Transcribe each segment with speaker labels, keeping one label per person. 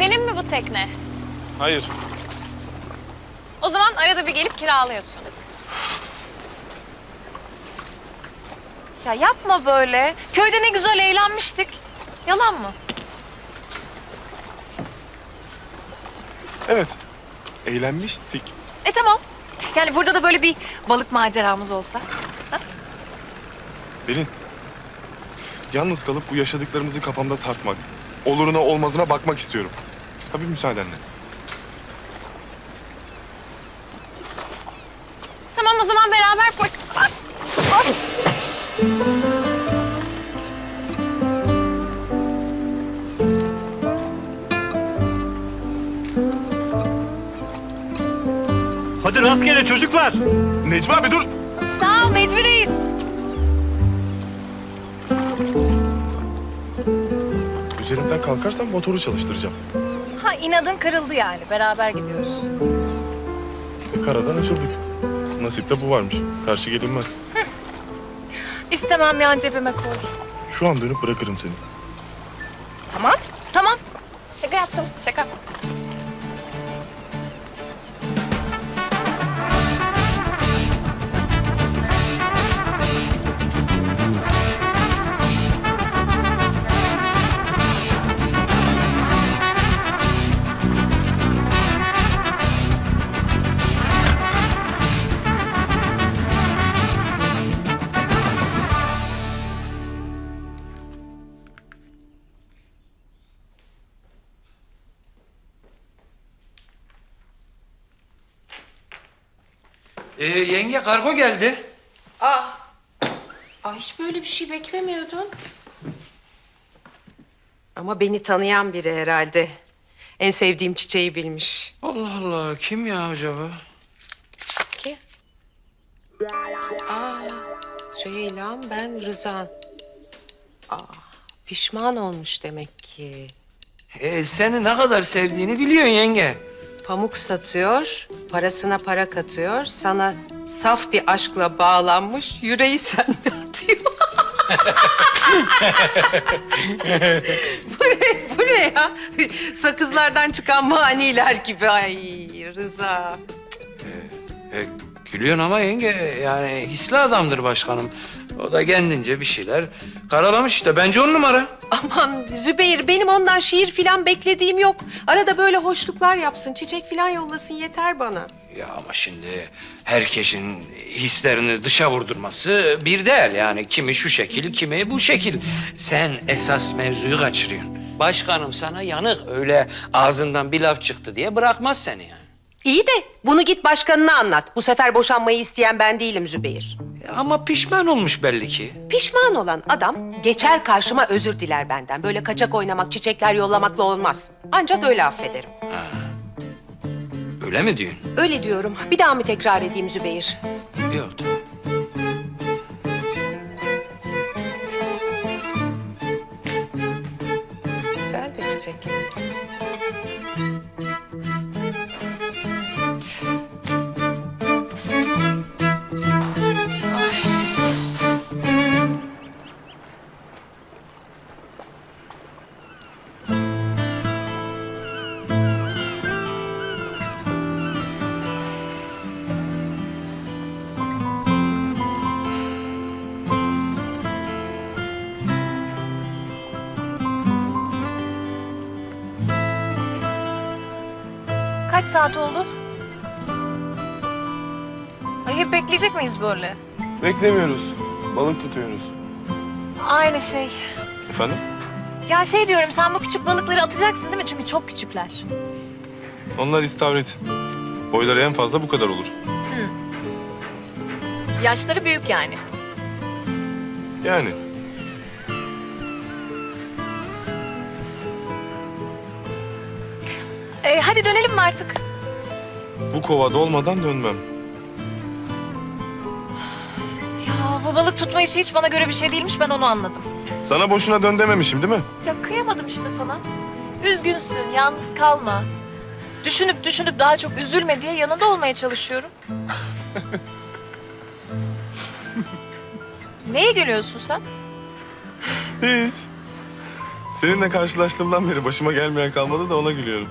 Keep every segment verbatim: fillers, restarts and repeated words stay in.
Speaker 1: Senin mi bu tekne?
Speaker 2: Hayır.
Speaker 1: O zaman arada bir gelip kiralıyorsun. Ya yapma böyle. Köyde ne güzel eğlenmiştik. Yalan mı?
Speaker 2: Evet. Eğlenmiştik.
Speaker 1: E tamam. Yani burada da böyle bir balık maceramız olsa.
Speaker 2: Pelin. Yalnız kalıp bu yaşadıklarımızı kafamda tartmak, oluruna olmazına bakmak istiyorum. Tabii müsaadenle.
Speaker 1: Tamam o zaman beraber bak. Bak. Bak.
Speaker 3: Hadi rastgele çocuklar.
Speaker 2: Necmi abi dur.
Speaker 1: Sağ ol Necmi Reis.
Speaker 2: Üzerimden kalkarsan motoru çalıştıracağım.
Speaker 1: Ha inadın kırıldı yani. Beraber gidiyoruz.
Speaker 2: E, karadan açıldık. Nasipte bu varmış. Karşı gelinmez.
Speaker 1: İstemem yan cebime koy.
Speaker 2: Şu an dönüp bırakırım seni.
Speaker 1: Tamam. Tamam. Şaka yaptım. Şaka.
Speaker 4: Ee, yenge kargo geldi.
Speaker 5: Aa, aa, hiç böyle bir şey beklemiyordum. Ama beni tanıyan biri herhalde. En sevdiğim çiçeği bilmiş.
Speaker 4: Allah Allah, kim ya acaba?
Speaker 5: Ki? Aa, Süheyla'm, ben Rızan. Aa, pişman olmuş demek ki.
Speaker 4: Ee, seni ne kadar sevdiğini biliyorsun yenge.
Speaker 5: Pamuk satıyor, parasına para katıyor. Sana saf bir aşkla bağlanmış, yüreği sende atıyor. bu ne, bu ne ya? Sakızlardan çıkan maniler gibi. Ay Rıza.
Speaker 4: Ee, gülüyorsun ama yenge, yani hisli adamdır başkanım. O da kendince bir şeyler karalamış işte. Bence on numara.
Speaker 5: Aman Zübeyir, benim ondan şiir filan beklediğim yok. Arada böyle hoşluklar yapsın, çiçek filan yollasın yeter bana.
Speaker 4: Ya ama şimdi herkesin hislerini dışa vurdurması bir değil yani. Kimi şu şekil, kimi bu şekil. Sen esas mevzuyu kaçırıyorsun. Başkanım sana yanık, öyle ağzından bir laf çıktı diye bırakmaz seni yani.
Speaker 5: İyi de bunu git başkanına anlat. Bu sefer boşanmayı isteyen ben değilim Zübeyir.
Speaker 4: Ama pişman olmuş belli ki.
Speaker 5: Pişman olan adam geçer karşıma özür diler benden. Böyle kaçak oynamak, çiçekler yollamakla olmaz. Ancak öyle affederim.
Speaker 4: Öyle mi diyorsun?
Speaker 5: Öyle diyorum. Bir daha mı tekrar edeyim Zübeyir?
Speaker 4: Yok tamam.
Speaker 5: Güzel de çiçek.
Speaker 1: Kaç saat oldu? Ay hep bekleyecek miyiz böyle?
Speaker 2: Beklemiyoruz. Balık tutuyoruz.
Speaker 1: Aynı şey.
Speaker 2: Efendim?
Speaker 1: Ya şey diyorum sen bu küçük balıkları atacaksın değil mi? Çünkü çok küçükler.
Speaker 2: Onlar istavrit. Boyları en fazla bu kadar olur.
Speaker 1: Yaşları büyük yani.
Speaker 2: Yani.
Speaker 1: Ee, hadi dönelim mi artık?
Speaker 2: Bu kovada olmadan dönmem.
Speaker 1: Ya bu balık tutma işi hiç bana göre bir şey değilmiş ben onu anladım.
Speaker 2: Sana boşuna dön dememişim değil mi?
Speaker 1: Ya kıyamadım işte sana. Üzgünsün, yalnız kalma. Düşünüp düşünüp daha çok üzülme diye yanında olmaya çalışıyorum. Neye gülüyorsun sen?
Speaker 2: Hiç. Seninle karşılaştığımdan beri başıma gelmeyen kalmadı da ona gülüyorum.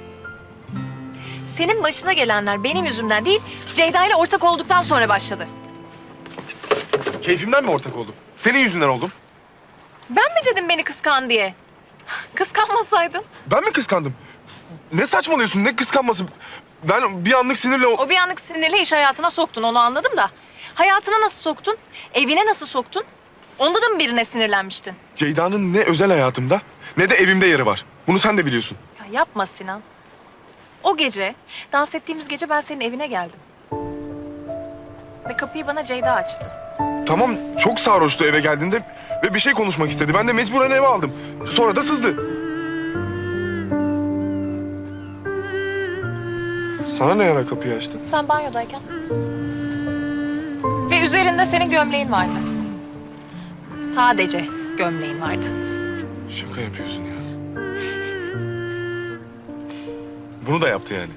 Speaker 1: Senin başına gelenler benim yüzümden değil, Ceyda ile ortak olduktan sonra başladı.
Speaker 2: Keyfimden mi ortak oldum? Senin yüzünden oldum.
Speaker 1: Ben mi dedim beni kıskan diye? Kıskanmasaydın.
Speaker 2: Ben mi kıskandım? Ne saçmalıyorsun? Ne kıskanması? Ben bir anlık sinirle... o-
Speaker 1: O bir anlık sinirle iş hayatına soktun, onu anladım da. Hayatına nasıl soktun? Evine nasıl soktun? Onda da mı birine sinirlenmiştin?
Speaker 2: Ceyda'nın ne özel hayatımda ne de evimde yeri var. Bunu sen de biliyorsun.
Speaker 1: Ya yapma Sinan. O gece, dans ettiğimiz gece ben senin evine geldim. Ve kapıyı bana Ceyda açtı.
Speaker 2: Tamam, çok sarhoştu eve geldiğinde ve bir şey konuşmak istedi. Ben de mecburen eve aldım. Sonra da sızdı. Sana ne ara kapıyı açtın?
Speaker 1: Sen banyodayken. Ve üzerinde senin gömleğin vardı. Sadece gömleğin vardı.
Speaker 2: Şaka yapıyorsun ya. Bunu da yaptı yani.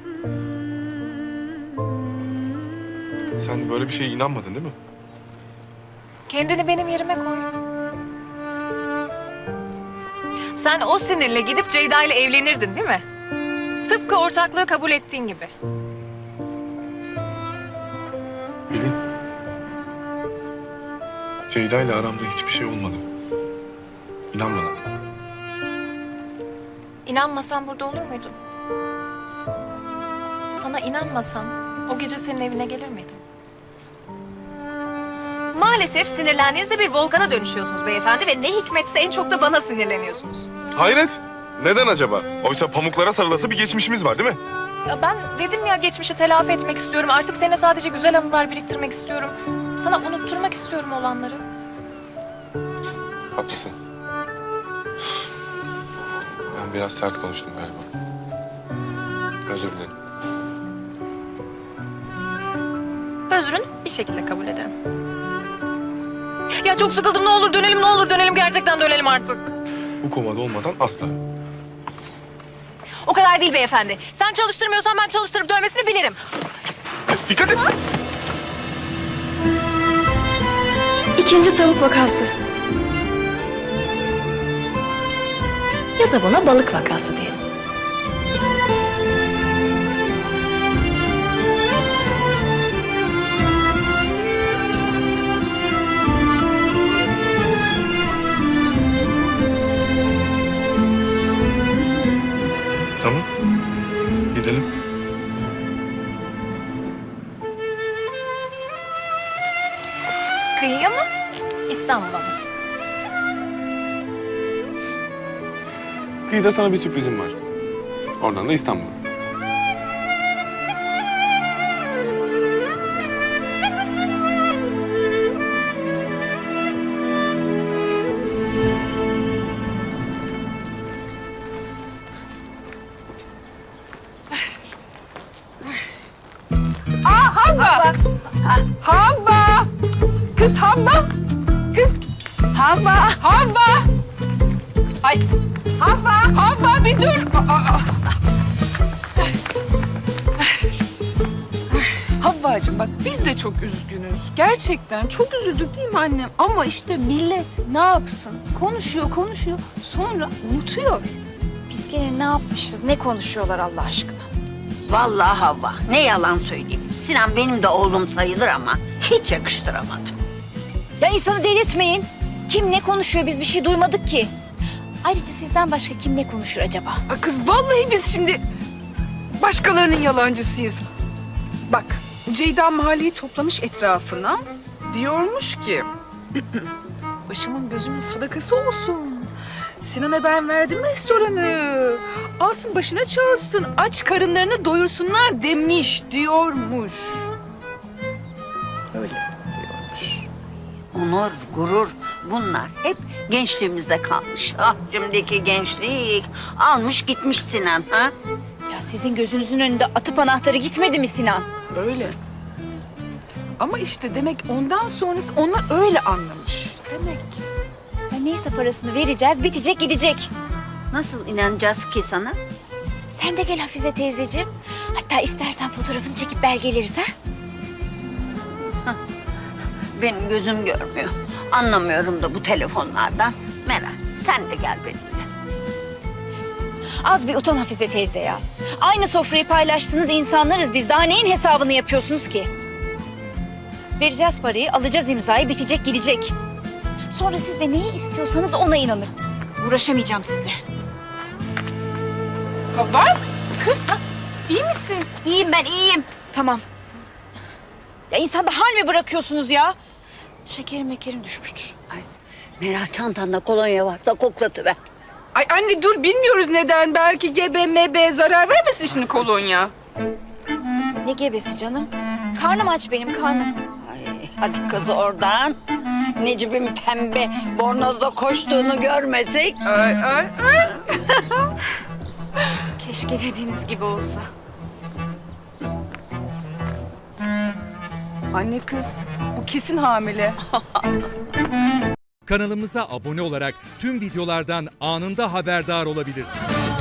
Speaker 2: Sen böyle bir şeye inanmadın değil mi?
Speaker 1: Kendini benim yerime koy. Sen o sinirle gidip Ceyda ile evlenirdin değil mi? Tıpkı ortaklığı kabul ettiğin gibi.
Speaker 2: Bilin. Ceyda ile aramda hiçbir şey olmadı. İnan bana.
Speaker 1: İnanmasan burada olur muydun? Sana inanmasam o gece senin evine gelir miydim? Maalesef sinirlendiğinizde bir volkana dönüşüyorsunuz beyefendi ve ne hikmetse en çok da bana sinirleniyorsunuz.
Speaker 2: Hayret. Neden acaba? Oysa pamuklara sarılası bir geçmişimiz var değil mi?
Speaker 1: Ya ben dedim ya geçmişi telafi etmek istiyorum. Artık seninle sadece güzel anılar biriktirmek istiyorum. Sana unutturmak istiyorum olanları.
Speaker 2: Haklısın. Ben biraz sert konuştum galiba. Özür dilerim.
Speaker 1: Özrün bir şekilde kabul ederim. Ya çok sıkıldım, ne olur dönelim, ne olur dönelim, gerçekten dönelim artık.
Speaker 2: Bu komada olmadan asla.
Speaker 1: O kadar değil beyefendi. Sen çalıştırmıyorsan ben çalıştırıp dövmesini bilirim.
Speaker 2: Dikkat et.
Speaker 1: İkinci tavuk vakası. Ya da buna balık vakası diyelim.
Speaker 2: Tamam. Gidelim.
Speaker 1: Kıyıya mı? İstanbul'a mı?
Speaker 2: Kıyıda sana bir sürprizim var. Oradan da İstanbul'a.
Speaker 6: Havva! Kız Havva! Kız! Havva! Havva! Ay! Havva! Havva bir dur! Aa, aa. Havvacığım bak biz de çok üzgünüz. Gerçekten çok üzüldük değil mi annem? Ama işte millet ne yapsın? Konuşuyor konuşuyor sonra unutuyor.
Speaker 7: Biz gene ne yapmışız, ne konuşuyorlar Allah aşkına?
Speaker 8: Vallahi Havva, ne yalan söyleyeyim. Sinan benim de oğlum sayılır ama hiç yakıştıramadım.
Speaker 7: Ya insanı delirtmeyin. Kim ne konuşuyor, biz bir şey duymadık ki. Ayrıca sizden başka kim ne konuşur acaba?
Speaker 6: Aa, kız vallahi biz şimdi başkalarının yalancısıyız. Bak Ceyda mahalleyi toplamış etrafına. Diyormuş ki başımın gözümün sadakası olsun. Sinan'a ben verdim restoranı. Alsın başına çalsın. Aç karınlarını doyursunlar demiş diyormuş. Öyle diyormuş.
Speaker 8: Onur, gurur bunlar hep gençliğimizde kalmış. Ah şimdiki gençlik almış gitmiş Sinan ha.
Speaker 7: Ya sizin gözünüzün önünde atıp anahtarı gitmedi mi Sinan?
Speaker 6: Öyle. Ama işte demek ondan sonrası onlar öyle anlamış. Demek ki.
Speaker 7: Ya neyse parasını vereceğiz, bitecek gidecek.
Speaker 8: Nasıl inanacağız ki sana?
Speaker 7: Sen de gel Hafize teyzeciğim. Hatta istersen fotoğrafını çekip belgeleriz ha?
Speaker 8: Benim gözüm görmüyor. Anlamıyorum da bu telefonlardan. Meral sen de gel benimle.
Speaker 7: Az bir utan Hafize teyze ya. Aynı sofrayı paylaştığınız insanlarız biz. Daha neyin hesabını yapıyorsunuz ki? Vereceğiz parayı, alacağız imzayı, bitecek gidecek. Sonra siz de neyi istiyorsanız ona inanın. Uğraşamayacağım sizle.
Speaker 6: Hava, kız iyi misin?
Speaker 7: İyiyim ben, iyiyim. Tamam. Ya insanda hal mi bırakıyorsunuz ya? Şekerim mekerim düşmüştür.
Speaker 8: Ay, Meral çantanda kolonya varsa koklatıver.
Speaker 6: Ay anne dur bilmiyoruz neden. Belki gebe mebe zarar vermesin şimdi kolonya.
Speaker 7: Ne gebesi canım? Karnım aç benim, karnım.
Speaker 8: Ay, hadi kız oradan. Necip'in pembe bornozda koştuğunu görmesek.
Speaker 6: Ay ay ay.
Speaker 7: Keşke dediğiniz gibi olsa.
Speaker 6: Anne kız bu kesin hamile.
Speaker 9: Kanalımıza abone olarak tüm videolardan anında haberdar olabilirsiniz.